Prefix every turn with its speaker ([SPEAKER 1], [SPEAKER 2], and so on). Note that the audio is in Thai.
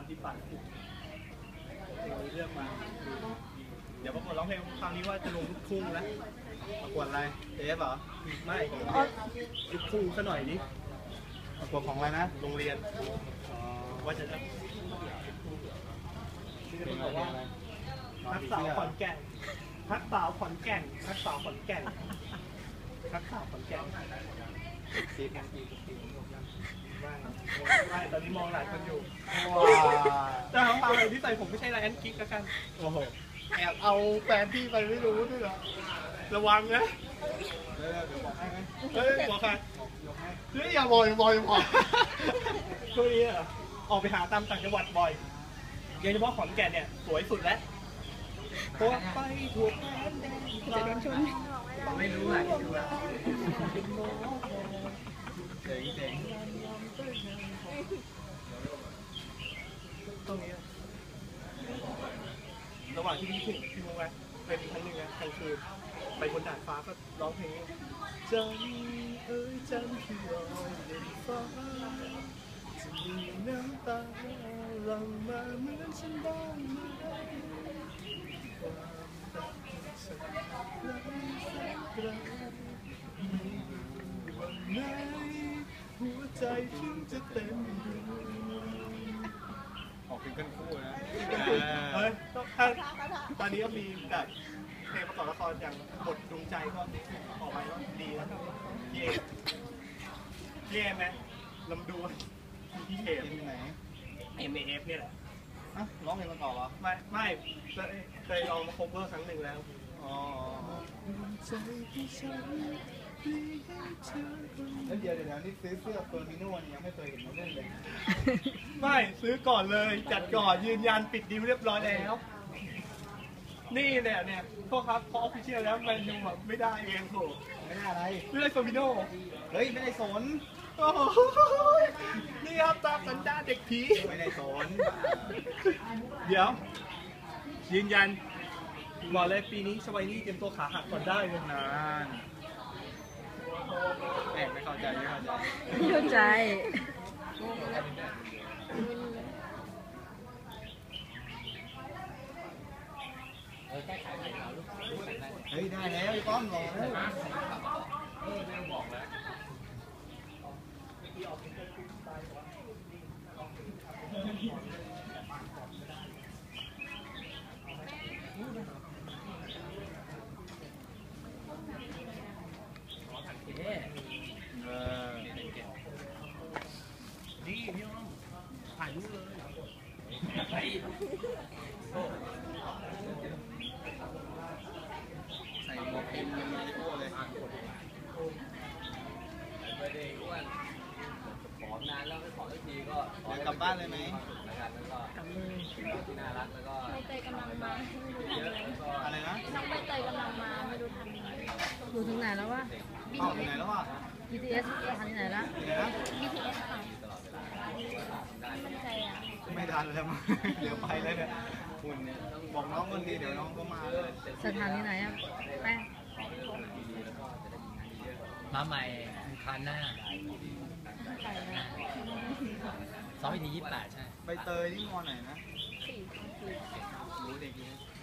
[SPEAKER 1] ที่ปัดเพลงนี้เลือกมาเดี๋ยวประกวดร้องเพลงคราวนี้ว่าจะลงลูกทุ่งแล้วประกวดอะไรเอฟเหรอไม่ลูกทุ่งซะหน่อยดิประกวดของอะไรนะโรงเรียนว่าจะบอกว่าทักสาวขอนแก่นทักสาวขอนแก่นทักสาวขอนแก่นทักสาวขอนแก่นไม่ตอนนี้มองหลายคนอยู่แต่ของเราเลยที่ใส่ผมไม่ใช่ไรแอนกิ๊กแล้วกันโอ้โหแอบเอาแฟนพี่ไปไม่รู้ด้วยเหรอระวังนะเดี๋ยวบอกให้ไหมเฮ้ยบอกใครเฮ้ยอย่าบ่อยช่วงนี้ออกไปหาตามต่างจังหวัดบ่อยโดยเฉพาะขอนแก่นเนี่ยสวยสุดแล้วโคตรไปถูกจะโดนชนไม่รู้อ่ะดูอ่ะเจ๋งตรงนี้ระหว่างที่พี่ถึงพี่รู้ไหมเป็นครั้งหนึ่งนะกลางคืนไปบนดาดฟ้าก็ร้องเพลงจันเอ้ยจันที่ลอยบนฟ้าจะมีน้ำตาหลั่งมาเหมือนฉันบ้างไหมหัวใจถึงจะเต็มออกเป็นกันคู่นะเฮ้ยตอนนี้ก็มีแบบเพลงประกอบละครอย่างบทดวงใจก็ออกมาแล้วดีแล้วเย่ไหมลำดวนพี่เอฟไหนMAF เนี่ยแหละร้องเพลงมาต่อเหรอไม่เคยลองมาโคเวอร์ครั้งหนึ่งแล้วแล้วเดี๋ยวนี่ซื้อเสื้อเฟอร์มิโน่ยังไม่เคยเห็นมาเล่นเลยไม่ซื้อก่อนเลยจัดก่อนยืนยันปิดดีลเรียบร้อยแล้วนี่เนี่ยโทษครับพอออฟฟิเชียลแล้วแมนยูแบบไม่ได้เองโหไม่ได้อะไรไม่ได้เฟอร์มิโน่เฮ้ยไม่ได้สนนี่ครับตามสัญญาเด็กผีไม่ได้สนเดี๋ยวยืนยันบอกเลยปีนี้สวัยนี้เตรียมตัวขาหักก่อนได้เลยนานไม่เข้าใจเฮ้ยได้แล้วไอ้ป้อมรอแล้วบอกแล้วดีพี่น้องถ่ายรูปเลยใส่หมวกเป็นยังไม่รู้เลยไม่ได้อ้วนผอมนานแล้วไม่ผอมสักทีก็กลับบ้านเลยไหมแล้วก็กลับเลยที่น่ารักแล้วก็ใบเตยกำลังมาอะไรนะน้องใบเตยกำลังมาไม่รู้ทันอยู่ถึงไหนแล้ววะถึงไหนแล้ววะ BTS ทันที่ไหนแล้ว BTS ค่ะไม่ทันแล้วมั้งเดี๋ยวไปเลยเนี่ยคุณเนี่ยบอกน้องคนดีเดี๋ยวน้องก็มาสถานที่ไหนอ่ะแป้งมาใหม่คันหน้า2 EP 28ใช่ใบเตยที่มอไหนนะ4รู้เด็กนี้